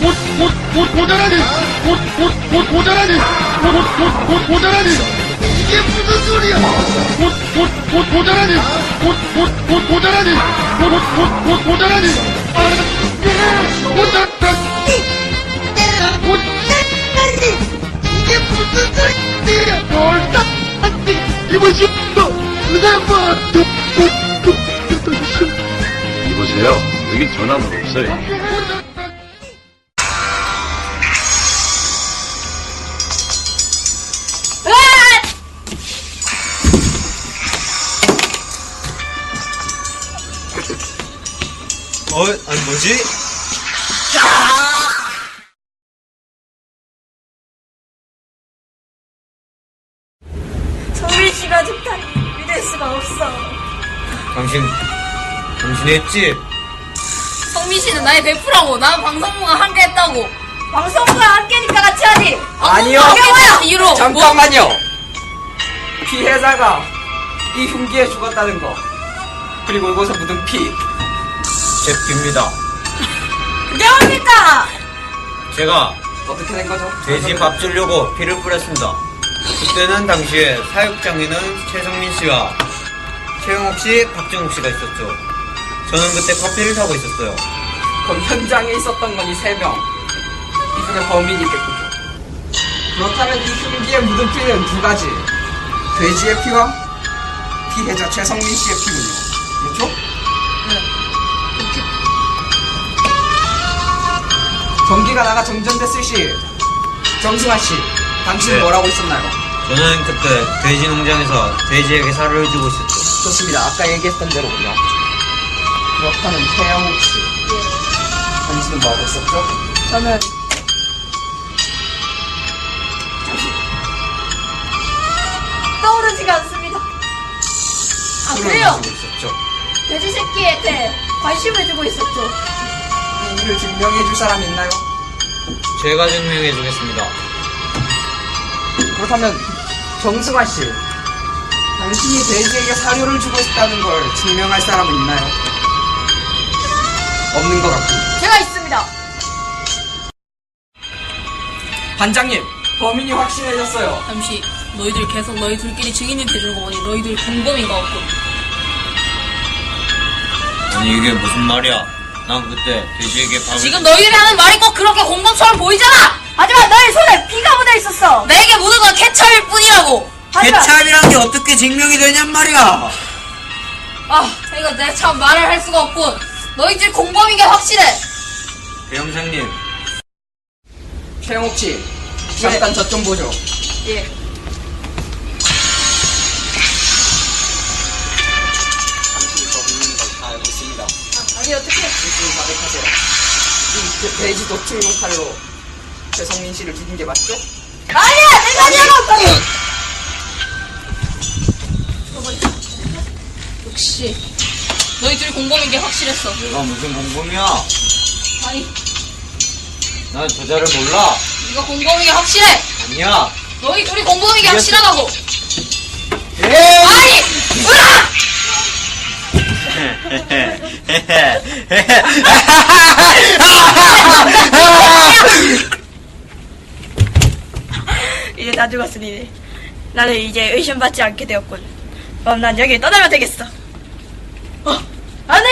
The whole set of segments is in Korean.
모자라니! 모자라니! 모자라니! 이게 무슨 소리야! 모자라니! 모자라니! 모자라니! 이게 무슨 소리야! 이보시오! 이보세요. 여긴 전화는 없어요. 아니 뭐지? 성민 씨가 좋다니 믿을 수가 없어. 당신이 했지? 성민 씨는 나의 베프라고. 난 방송부가 함께 했다고. 방송과 함께니까 같이 하지. 아니요. 이유로. 잠깐만요. 피해자가 이 흉기에 죽었다는 거, 그리고 이곳에 묻은 피, 제 피입니다. 그게 뭡니까? 제가 어떻게 된 거죠? 돼지 밥 주려고 피를 뿌렸습니다. 그때는 당시에 사육장에는 최성민 씨와 최영옥 씨, 박정욱 씨가 있었죠. 저는 그때 커피를 사고 있었어요. 그럼 현장에 있었던 건 이 3명. 이 중에 범인이 있겠군요. 그렇다면 이 흉기에 묻은 피는 2가지. 돼지의 피와 피해자 최성민 씨의 피군요. 그렇죠? 전기가 나가 정전됐을 시, 정승환 씨, 당신은 네. 뭐라고 있었나요? 저는 그때 돼지 농장에서 돼지에게 살을 주고 있었죠. 좋습니다. 아까 얘기했던 대로군요. 그렇다면 최영욱 씨, 당신은 뭐하고 있었죠? 저는 떠오르지가 않습니다. 아 술을 그래요? 마시고 있었죠. 돼지 새끼한테 관심을 주고 있었죠. 이 일을 증명해 줄 사람 있나요? 제가 증명해 주겠습니다. 그렇다면 정승환 씨, 당신이 돼지에게 사료를 주고 있다는 걸 증명할 사람은 있나요? 없는 것 같군요. 제가 있습니다. 반장님, 범인이 확신해졌어요. 잠시. 너희들 계속 너희 둘끼리 증인이 돼주는 거 보니 너희들 공범인 것 같군. 아니 이게 무슨 말이야? 난 그때 돼지에게 밥을 지금 너희들이 하는 말이 꼭 그렇게 공범처럼 보이잖아. 하지만 너의 손에 피가 묻어 있었어. 내게 묻은 건 케찹일 뿐이라고. 하지만 개참이란 게 어떻게 증명이 되냔 말이야. 아, 이거 내가 참 말을 할 수가 없군. 너희들 공범인 게 확실해. 배영장님, 최영욱 씨, 잠깐 저 좀 보죠. 예. 당신이 범인인 걸 다 알고 있습니다. 아니 어떻게? 진실을 자백하세요. 이 돼지 도축용 칼로 최성민 씨를 죽인 게 맞죠? 아니야 내가 아니야. 역시 너희들이 공범인 게 확실했어. 내가 무슨 공범이야? 아니, 난 저자를 몰라. 네가 공범인 게 확실해. 아니야. 너희 둘이 공범인 게 확실하다고. 에이! 아니, 으악! 이제 다 죽었으니 나는 이제 의심받지 않게 되었군. 그럼 난 여기 떠나면 되겠어. 아니!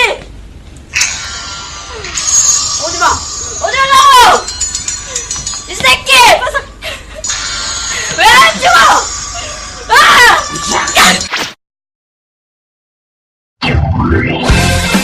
오지마! 오지마! 이 새끼! 왜 안 죽어! 아!